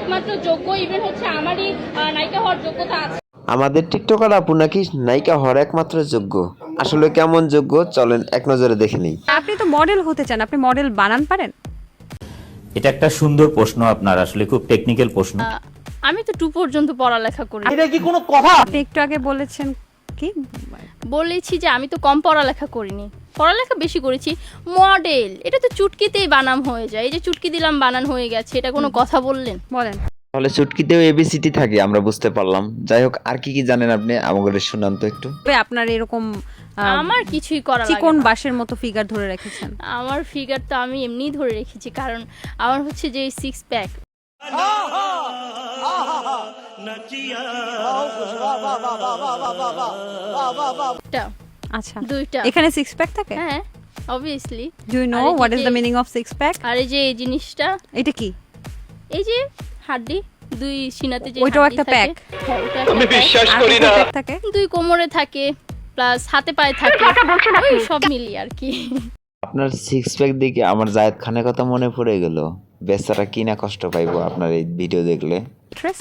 একমাত্র যোগ্য, ইভেন হচ্ছে আমারই নায়িকা হওয়ার যোগ্যতা আছে। আমাদের টিকটকার আপু নাকি নায়িকা হওয়ার একমাত্র যোগ্য। আসলে কেমন যোগ্য চলেন এক নজরে দেখে নিই। আপনি তো মডেল হতে চান, আপনি মডেল বানান পারেন? এটা একটা সুন্দর প্রশ্ন আপনার, আসলে খুব টেকনিক্যাল প্রশ্ন। আমি তো 2 পর্যন্ত পড়ালেখা করি। এটা কি কোনো কথা? আপনি একটু আগে বলেছেন কি? বলেছি যে আমি তো কম পড়ালেখা করিনি, পড়ালেখা বেশি করেছি। মডেল এটা তো চুটকিতেই বানাম হয়ে যায়। এই যে চুটকি দিলাম বানান হয়ে গেছে, এটা কোনো কথা বললেন? বলেন। তাহলে চুটকিতেও এবিসিটি থাকে, আমরা বুঝতে পারলাম। যাই হোক, আর কি কি জানেন আপনি আমাদের শুনান তো একটু। আপনার এরকম আমার কিছুই করা লাগে চিকন না। বাঁশের মতো ফিগার ধরে রেখেছেন। আমার ফিগার তো আমি এমনিই ধরে রেখেছি, কারণ আমার হচ্ছে যে 6 প্যাক। আচ্ছা, 2টা। এখানে সিক্স প্যাক থাকে? হ্যাঁ, obviously. Do you know what is the meaning of six pack? আর এই যে এই জিনিসটা, এটা কি? এই যে হাড্ডি, 2 সিনাতে যে ওইটাও হাড্ডি একটা থাকে, প্যাক? হ্যাঁ, ওটা একটা প্যাক। আর কোথায় প্যাক থাকে? 2 কোমরে থাকে, প্লাস হাতে পায়ে থাকে, ওই সব মিলিয়ে আর কি। আপনার সিক্স প্যাক দেখে আমার জায়েদ খানের কথা মনে পড়ে গেল। বেচারা কি না কষ্ট পাইবো আপনার এই ভিডিও দেখলে। অ্যাক্ট্রেস?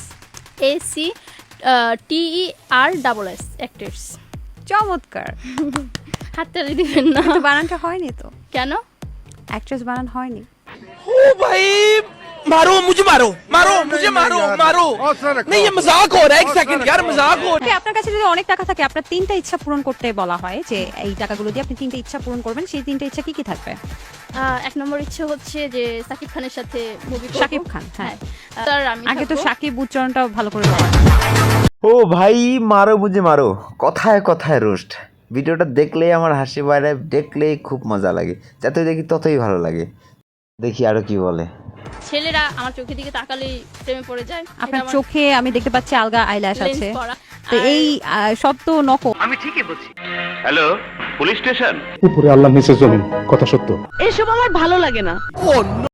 ACTERSS, actors. চমৎকার। হাততালি দিবেন না। কিন্তু বানানটা হয়নি তো। কেন? অ্যাক্ট্রেস বানান হয়নি। ओ भाई मारो मुझे, मारो मारो मुझे, मारो मारो। नहीं ये मजाक हो रहा है, एक सेकंड यार, मजाक हो रहा ওকে, আপনার কাছে যদি অনেক টাকা থাকে, আপনার 3টা ইচ্ছা পূরণ করতে বলা হয়, যে এই টাকাগুলো দিয়ে আপনি 3টা ইচ্ছা পূরণ করবেন, সেই 3টা ইচ্ছা কি কি থাকবে? 1 নম্বর ইচ্ছে হচ্ছে যে সাকিব খানের সাথে মুভি করব। শাকিব খান, হ্যাঁ। স্যার আমি আগে তো থাকবো। শাকিব উচ্চারণটাও ভালো করে বলেন। ও ভাই, মারো বুঝে মারো, কথায় কথায় রোস্ট। ভিডিওটা দেখলেই আমার হাসি বাইরে, দেখলেই খুব মজা লাগে। যতই দেখি ততই ভালো লাগে। দেখি আরো কি বলে। ছেলেরা আমার চোখের দিকে তাকালেই প্রেমে পড়ে যায়। আপনার চোখে আমি দেখতে পাচ্ছি আলগা আইল্যাশ লেন্স আছে, পরা। তো এই সব তো নকল। Hello, police station. উপরে আল্লাহ নিচে জমিন, কথা সত্য। এসব আমার ভালো লাগে না। है। Oh no